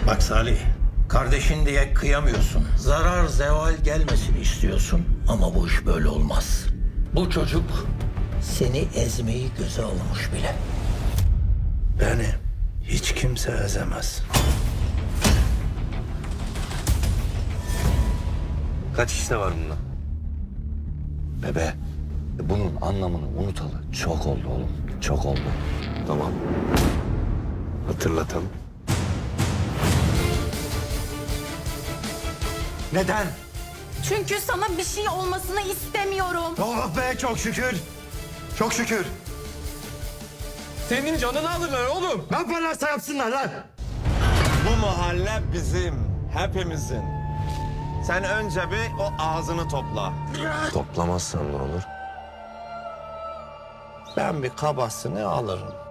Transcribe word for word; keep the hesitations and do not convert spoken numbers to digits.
Bak Salih, kardeşin diye kıyamıyorsun. Zarar zeval gelmesini istiyorsun ama bu iş böyle olmaz. Bu çocuk seni ezmeyi göze almış bile. Beni hiç kimse ezemez. Kaç işte var bunda? Bebe, bunun anlamını unutalı çok oldu oğlum. Çok oldu. Tamam. Hatırlatalım. Neden? Çünkü sana bir şey olmasını istemiyorum. Oh be, çok şükür. Çok şükür. Senin canını alırlar oğlum. Ne yaparlarsa yapsınlar lan. Bu mahalle bizim, hepimizin. Sen önce bir o ağzını topla. Toplamazsan ne olur? Ben bir kabasını alırım.